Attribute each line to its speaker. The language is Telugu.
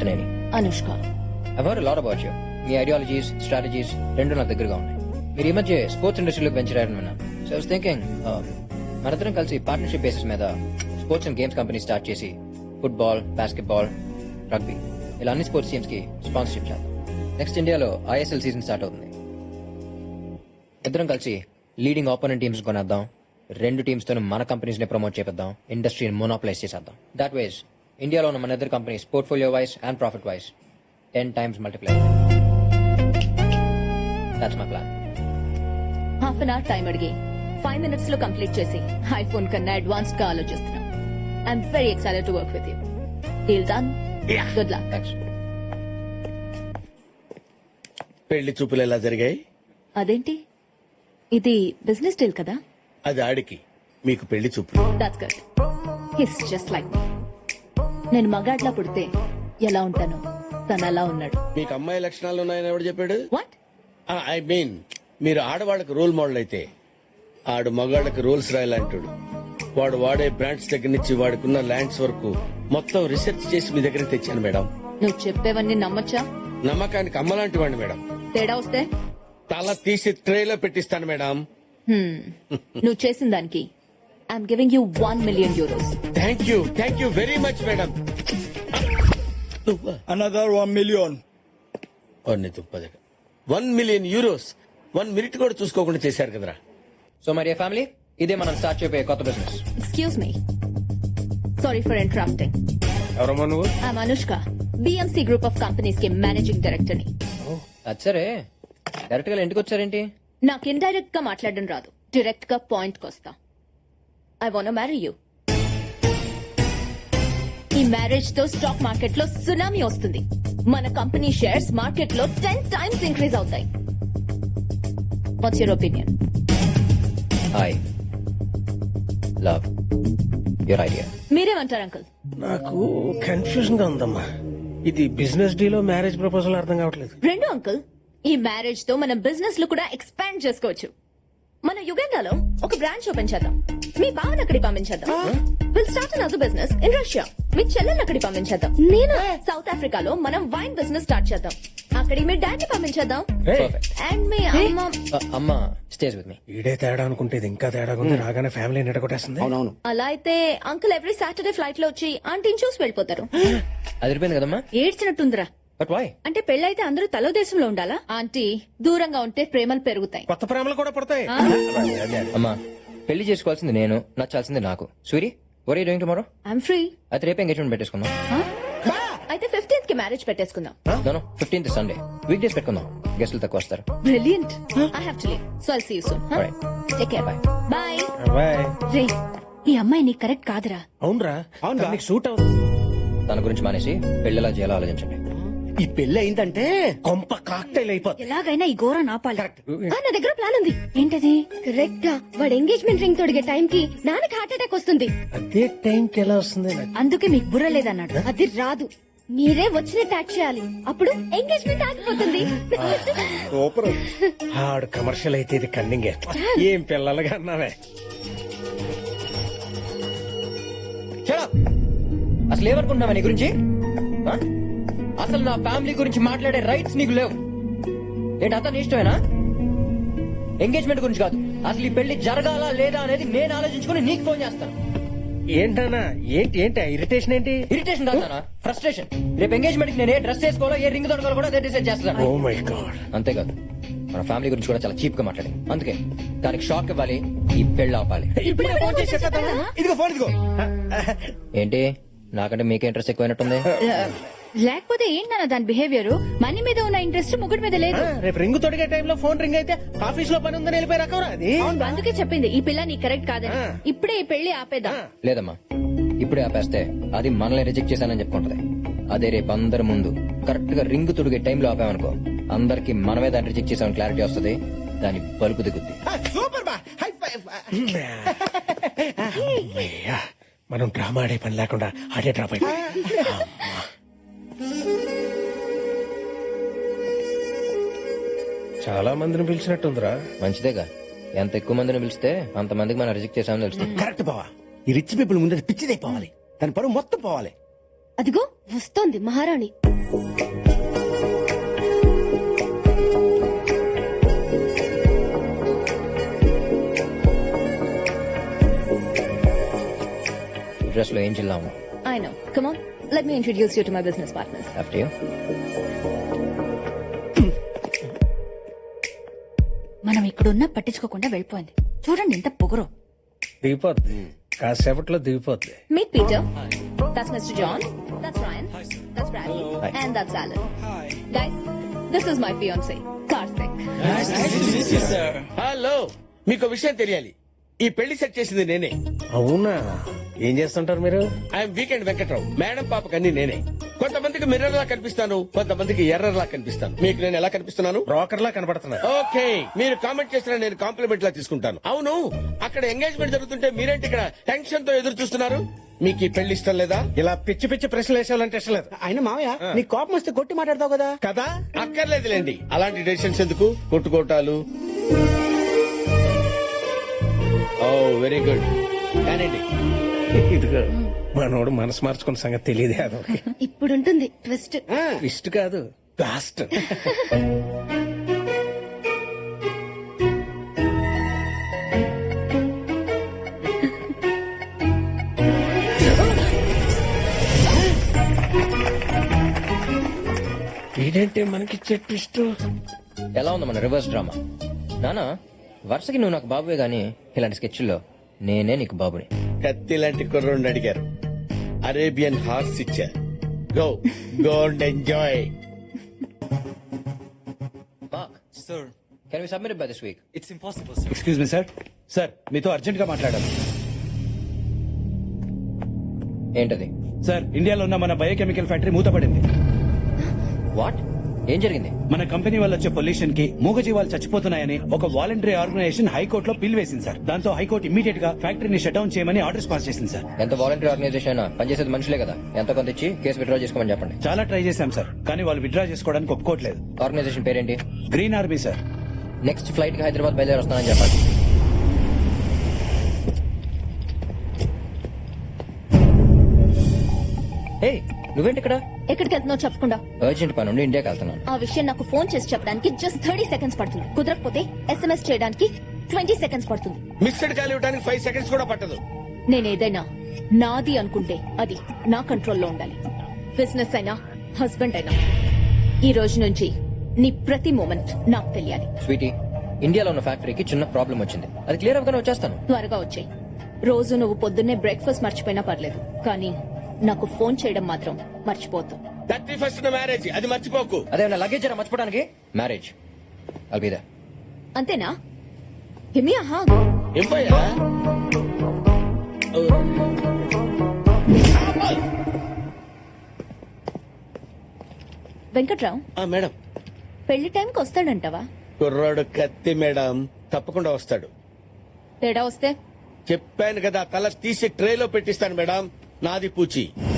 Speaker 1: Ananthaneni.
Speaker 2: Anushka.
Speaker 1: I've heard a lot about you. మీ ఐడియాలజీస్, స్ట్రాటజీస్ రెండు నాకు దగ్గరగా ఉన్నాయి. మీరు ఈ మధ్య స్పోర్ట్స్ ఇండస్ట్రీలోకి వెంచర్ అయ్యారని విన్నాను. సో ఐ వాస్ థింకింగ్ మనందరం కలిసి పార్ట్నర్షిప్ బేసిస్ మీద sports and games company start చేసి ఫుట్బాల్, బాస్కెట్బాల్, రగ్బీ ఇలా అన్ని స్పోర్ట్స్ టీమ్స్ కి స్పాన్సర్షిప్ చేద్దాం. నెక్స్ట్ ఇండియాలో ISL సీజన్ స్టార్ట్ అవుతుంది. ఇద్దరం కలిసి లీడింగ్ ఆపోనెంట్ టీమ్స్ కొనేద్దాం. రెండు టీమ్స్ తో మన కంపెనీస్ ని ప్రమోట్ చేద్దాం. ఇండస్ట్రీని మోనోప్లైజ్ చేసేద్దాం. దాట్ వేస్ ఇండియాలో ఉన్న మన ఇద్దరు companies portfolio wise and profit wise 10 times multiply. That's my plan.
Speaker 2: Half an hour time అడిగి 5 minutes లో కంప్లీట్ చేసి ఐఫోన్ కన్నా అడ్వాన్స్డ్ గా ఆలోచిస్తున్నాం. I'm very excited to work with you. Deal done. Good luck.
Speaker 1: Thanks.
Speaker 3: పెళ్లి చూపులు ఎలా జరిగాయి?
Speaker 2: అదేంటి, ఇది బిజినెస్ డీల్ కదా?
Speaker 3: అది ఆడికి, మీకు పెళ్లి చూపులు.
Speaker 2: That's good. He's just like me. నేను మగాడ్లా పుడితే ఎలా ఉంటాను, తను అలా ఉన్నాడు.
Speaker 3: మీకు అమ్మాయి లక్షణాలు ఉన్నాయని ఎవడు చెప్పాడు?
Speaker 2: వాట్?
Speaker 3: ఐ మీన్ మీరు ఆడవాళ్ళకి రోల్ మోడల్ అయితే ఆడు మగాళ్ళకి రోల్స్ రాయాలంటాడు. వాడు వాడే బ్రాండ్స్ దగ్గర నుంచి వాడుకున్న ల్యాండ్స్ వరకు మొత్తం రీసెర్చ్ చేసి మీ దగ్గర తెచ్చాను మేడం.
Speaker 2: నువ్వు చెప్పేవన్నీ నమ్మచ్చా?
Speaker 3: నమ్మకానికి అమ్మలాంటి వాడిని మేడం.
Speaker 2: తేడా వస్తే
Speaker 3: తల తీసి ట్రేలో పెట్టిస్తాను మేడం.
Speaker 2: నువ్వు చేసిన దానికి I'm giving you 1 million euros.
Speaker 3: Thank you very much madam.
Speaker 4: Another 1 million.
Speaker 3: 1 million euros 1 minute కూడా చూసుకోకుండా చేశారు కదరా.
Speaker 1: సో మరి ఫ్యామిలీ, ఇదే మనం స్టార్ట్ చేయబోయే కొత్త business.
Speaker 2: Excuse me, sorry for interrupting.
Speaker 4: ఎవరమ్మా నువ్వు?
Speaker 2: I'm Anushka, BMC group of companies కి మేనేజింగ్ డైరెక్టర్ ని.
Speaker 1: అది సరే, డైరెక్ట్ గా ఇంటికి వచ్చారేంటి?
Speaker 2: నాకు ఇండైరెక్ట్ గా మాట్లాడడం రాదు, డైరెక్ట్ గా పాయింట్ కొస్తా. I want marry you. ఈ మ్యారేజ్ తో స్టాక్ మార్కెట్ లో సునామీ వస్తుంది. మన కంపెనీ షేర్స్ మార్కెట్ లో 10 times ఇంక్రీజ్ అవుతాయి. What's your opinion?
Speaker 1: I love your idea.
Speaker 2: మీరేమంటారు అంకుల్?
Speaker 5: నాకు కన్ఫ్యూజన్ గా ఉందమ్మా. ఇది బిజినెస్ డీలో మ్యారేజ్ ప్రపోజల్ అర్థం కావట్లేదు.
Speaker 2: రెండు అంకుల్, ఈ మ్యారేజ్ తో మనం బిజినెస్ లో కూడా ఎక్స్పాండ్ చేసుకోవచ్చు. మన యుగండాలో ఒక బ్రాంచ్ ఓపెన్ చేద్దాం. మీ బావన్ అక్కడికి పంపించేద్దాం. Will start another business in Russia. మీ చెల్లెల్ని అక్కడికి పంపించేద్దాం. నేను సౌత్ ఆఫ్రికాలో మనం వైన్ బిజినెస్ స్టార్ట్ చేద్దాం. అక్కడికి మీ డాడీ పంపించేద్దాం. అండ్ మీ
Speaker 1: అమ్మ స్టేజ్ విత్ మీ.
Speaker 5: ఈడే తేడా అనుకుంటే ఇది ఇంకా తేడా ఉంది. రాగానే ఫ్యామిలీ నిడగొట్టేస్తుంది.
Speaker 3: అవునవును.
Speaker 2: అలా అయితే అంకుల్ ఎవ్రీ సాటర్డే ఫ్లైట్ లో వచ్చి ఆంటీని చూసి వెళ్ళిపోతారు.
Speaker 1: అది అయిపోయింది కదమ్మా.
Speaker 2: ఏడ్చినట్టుందిరా.
Speaker 1: But why?
Speaker 2: అంటే పెళ్ళైతే అందరూ తలో దేశంలో ఉండాలా? ఆంటీ, దూరంగా ఉంటే ప్రేమలు పెరుగుతాయి.
Speaker 5: కొత్త ప్రేమలు కూడా పడతాయి.
Speaker 1: అమ్మా, పెళ్లి చేసుకోవాల్సింది నేను, నచ్చాల్సింది నాకు. Suri, what're you doing tomorrow?
Speaker 2: I'm free.
Speaker 1: అయితే రేపు ఎంగేజ్మెంట్ పెట్టేసుకుందాం.
Speaker 2: అయితే 15th కి మ్యారేజ్ పెట్టేసుకుందాం.
Speaker 1: No 15th Sunday. Week days పెట్టుకుందాం, గెస్టులు తక్కువ వస్తారు.
Speaker 2: Brilliant. I have to leave. So I'll see you soon. Huh?
Speaker 1: Alright.
Speaker 2: Take care.
Speaker 1: Bye.
Speaker 2: Bye.
Speaker 5: Bye.
Speaker 2: రే, ఈ అమ్మాయి నీకు కరెక్ట్ కాదురా.
Speaker 5: అవునరా, నీకు సూట్ అవుతుంది.
Speaker 1: తన గురించి మానేసి పెళ్లిలా చేయాలో ఆలోచించండి.
Speaker 3: ఈ పెళ్లి అయిందంటే
Speaker 5: కొంప కాక్టైల్ అయిపోతుంది.
Speaker 2: ఎలాగైనా ఈ ఘోర నాపాలి. నా దగ్గర ప్లాన్ ఉంది. ఏంటది? కరెక్ట్ గా వాడు ఎంగేజ్మెంట్ రింగ్ తొడిగే టైం కి నాన్నకి హార్ట్ అటాక్ వస్తుంది.
Speaker 5: అదే టైంకి ఎలా వస్తుంది?
Speaker 2: అందుకే మీకు బుర్ర లేదన్నాడు. అది రాదు, మీరే వచ్చినట్టు యాక్ట్ చేయాలి. అప్పుడు ఎంగేజ్మెంట్ ఆగిపోతుంది.
Speaker 5: సూపర్. ఆడు కమర్షియల్ అయితే ఇది కన్నింగే. ఏం పిల్లలుగా అన్నావే.
Speaker 1: Shut up. అసలు ఏమనుకుంటున్నావా నీ గురించి? ఆ? అసలు నా ఫ్యామిలీ గురించి మాట్లాడే రైట్స్ నీకు లేవు. ఏంటి అతను ఇష్టమేనా? ఎంగేజ్మెంట్ గురించి కాదు, అసలు ఈ పెళ్లి జరగాలా లేదా అనేది నేను ఆలోచించుకుని నీకు ఫోన్ చేస్తాను.
Speaker 5: ఏంటన్నా? ఏంటి ఇరిటేషన్? ఏంటి
Speaker 1: ఇరిటేషన్ కాదా, ఫ్రస్ట్రేషన్. రేపు ఎంగేజ్మెంట్ కి నేను ఏ డ్రెస్ వేసుకోవాలో, ఏ రింగ్ దొరకాలో కూడా అదే డిసైడ్ చేస్తాను.
Speaker 5: Oh my God.
Speaker 1: అంతేకాదు, మన ఫ్యామిలీ గురించి కూడా చాలా చీప్ గా మాట్లాడింది. అందుకే దానికి షాక్ ఇవ్వాలి, ఈ పెళ్లి ఆపాలి.
Speaker 5: ఇదిగో ఫోన్ ఇదిగో.
Speaker 1: ఏంటి, నాకంటే మీకే ఇంట్రెస్ట్ ఎక్కువైనట్టుంది.
Speaker 2: లేకపోతే ఏంటన్నా దాని బిహేవియర్? మనీ మీద ఉన్న ఇంట్రెస్ట్ ముగ్గురు మీద లేదు.
Speaker 5: రేపు రింగ్ తొడిగే టైంలో ఫోన్ రింగ్ అయితే ఆఫీస్ లో పని ఉందని వెళ్ళిపోయి రకవరా అది.
Speaker 2: అందుకే చెప్పింది ఈ పిల్ల నీ కరెక్ట్ కాదని. ఇప్పుడే ఈ పెళ్లి ఆపేద్దాం.
Speaker 1: లేదమ్మా, ఇప్పుడే ఆపేస్తే అది మనల్ని రిజెక్ట్ చేశానని చెప్పుకుంటది. అదే రేపు అందరి ముందు కరెక్ట్ గా రింగ్ తొడిగే టైంలో ఆపామనుకో, అందరికి మనమే దాన్ని రిజెక్ట్ చేసామని క్లారిటీ వస్తుంది. దాని బలుపు దిగుద్ది.
Speaker 3: సూపర్ బా. High five.
Speaker 5: మనం డ్రామా ఆడే పని లేకుండా ఆడే డ్రాప్ అయిపోయి. చాలా మందిని పిలిచినట్టుందిరా.
Speaker 1: మంచిదేగా, ఎంత ఎక్కువ మందిని పిలిస్తే అంత మందికి మనం రిజెక్ట్ చేసామని తెలుస్తుంది.
Speaker 3: కరెక్ట్ బావా. ఈ రిచ్ పీపుల్ ముందు పిచ్చిదైపోవాలి, దాని పరువు మొత్తం పోవాలి.
Speaker 2: అదిగో వస్తోంది మహారాణి.
Speaker 1: డ్రెస్ లో ఏం జిల్లా ఉన్నా
Speaker 2: I know. Come on, let me introduce you to my business partners.
Speaker 1: After you.
Speaker 6: మనం ఇక్కడున్నా పట్టించుకోకుండా వెళ్ళిపోయింది. చూడండి ఎంత పొగరు.
Speaker 5: దిగిపోద్ది కాసేపట్లో దిగిపోద్ది.
Speaker 2: Meet Peter. That's Mr. John. That's Ryan. That's Bradley. And that's Alan. Guys, this is my fiance, Karthik.
Speaker 3: Hello, మీకు విషయం తెలియాలి. ఈ పెళ్లి సెట్ చేసింది నేనే.
Speaker 5: అవునా, ఏం చేస్తుంటారు మీరు?
Speaker 3: I'm weekend Venkatrao. మేడం పాపకి అన్ని నేనే. కొంతమందికి మిర్రర్ లా కనిపిస్తాను, కొంతమందికి ఎర్రర్ లా కనిపిస్తాను. మీకు నేను ఎలా కనిపిస్తున్నాను?
Speaker 5: బ్రోకర్ లా కనబడుతున్నారు.
Speaker 3: ఓకే, మీరు కామెంట్ చేసిన నేను కాంప్లిమెంట్ లా తీసుకుంటాను. అవును, అక్కడ ఎంగేజ్మెంట్ జరుగుతుంటే మీరేంటి ఇక్కడ టెన్షన్ తో ఎదురు చూస్తున్నారు? మీకు ఈ పెళ్లి ఇష్టం లేదా?
Speaker 5: ఇలా పిచ్చి పిచ్చి ప్రశ్నలు వేసేవాలంటే ఇష్టం లేదు.
Speaker 7: ఆయన మావయ్య నీ కోపం వస్తే కొట్టి మాట్లాడతావు కదా.
Speaker 5: కదా,
Speaker 3: అక్కర్లేదులేండి, అలాంటి డెసిషన్స్ ఎందుకు, కొట్టుకోటాలు. ఓ వెరీ గుడ్. కానండి,
Speaker 5: ఇదిగో మనోడు మనసు మార్చుకున్న సంగతి తెలియదే. అదో
Speaker 2: ఇప్పుడుంటుంది ట్విస్ట్.
Speaker 5: ఇష్ట కాదు, కాస్ట్. ఏంటంటే మనకి ట్విస్ట్.
Speaker 1: ఎలా ఉంది మన రివర్స్ డ్రామా? నానా, వరుసకి నువ్వు నాకు బాబువే గానీ ఇలాంటి స్కెచ్ల్లో నేనే నీకు బాబుని.
Speaker 3: కత్తి లాంటి కుర్రోడిని అడిగారు, అరేబియన్ హార్స్ ఇచ్చారు. Go go and enjoy.
Speaker 4: Sir,
Speaker 1: can we submit by this week?
Speaker 4: it's impossible, sir.
Speaker 7: Excuse me sir. Sir మీతో అర్జెంట్ గా మాట్లాడాలి.
Speaker 1: ఏంటది?
Speaker 7: సార్, ఇండియాలో ఉన్న మన బయోకెమికల్ ఫ్యాక్టరీ మూతపడింది.
Speaker 1: వాట్? ఏం జరిగింది?
Speaker 7: మన కంపెనీ వల్ల వచ్చే పొల్యూషన్ కి మూగజీవాలు చచ్చిపోతున్నాయని ఒక వాలంటరీ ఆర్గనైజేషన్ హైకోర్టులో పిల్ వేసింది సార్. దాంతో హైకోర్టు ఇమీడియట్ గా ఫ్యాక్టరీని షట్ డౌన్ చేయమని ఆర్డర్స్ పాస్ చేసింది సార్.
Speaker 1: ఎంత వాలంటీర్ ఆర్గనైజేషన్ అయినా పనిచేసేది మనుషులే కదా. ఎంత కొంత ఇచ్చి కేసు విత్డ్రా చేసుకోమని చెప్పండి.
Speaker 7: చాలా ట్రై చేశాం సార్, కానీ వాళ్ళు విత్డ్రా చేసుకోవడానికి ఒప్పుకోవట్లేదు.
Speaker 1: ఆర్గనైజేషన్ పేరేంటి?
Speaker 7: Green Army sir.
Speaker 1: Next flight కి హైదరాబాద్ బయలుదేరి వస్తానని చెప్పండి. హే, నువ్వేంటి ఇక్కడ?
Speaker 2: ఎక్కడికి వెళ్తున్నావు చెప్పకుండా?
Speaker 1: అర్జెంట్ పని ఉండి ఇండియాకి వెళ్తున్నాను.
Speaker 2: ఆ విషయం నాకు ఫోన్ చేసి చెప్పడానికి జస్ట్ 30 సెకండ్స్ పడుతుంది. కుదరకపోతే SMS చేయడానికి 20 సెకండ్స్ పడుతుంది.
Speaker 3: మిస్డ్ కాల్ ఇవ్వడానికి 5 seconds కూడా పట్టదు.
Speaker 2: నేనేదైనా నాది అనుకుంటే అది నా కంట్రోల్లో ఉండాలి. బిజినెస్ అయినా హస్బెండ్ అయినా ఈ రోజు నుంచి నీ ప్రతి మూమెంట్ నాకు తెలియాలి.
Speaker 1: స్వీటీ, ఇండియాలో ఉన్న ఫ్యాక్టరీకి చిన్న ప్రాబ్లం వచ్చింది. అది క్లియర్ అవగానే వచ్చేస్తాను.
Speaker 2: త్వరగా వచ్చాయి. రోజు నువ్వు పొద్దున్నే బ్రేక్ఫాస్ట్ మర్చిపోయినా పర్లేదు, కానీ నాకు ఫోన్ చేయడం మాత్రం మర్చిపోతు.
Speaker 3: 31st మ్యారేజ్, అది మర్చిపోకు.
Speaker 1: అదే లగేజ్ మర్చిపోవడానికి. మ్యారేజ్ అల్బిదా.
Speaker 2: అంతేనా? హిమి ఆహా.
Speaker 3: ఇవ్వయా?
Speaker 2: వెంకట్రావు,
Speaker 3: మేడం,
Speaker 2: పెళ్లి టైంకి వస్తాడంటావా?
Speaker 3: కుర్రాడు కత్తి మేడం, తప్పకుండా వస్తాడు.
Speaker 2: తేడా వస్తే
Speaker 3: చెప్పాను కదా, తల తీసి ట్రేలో పెట్టిస్తాను మేడం. నాది పూచి.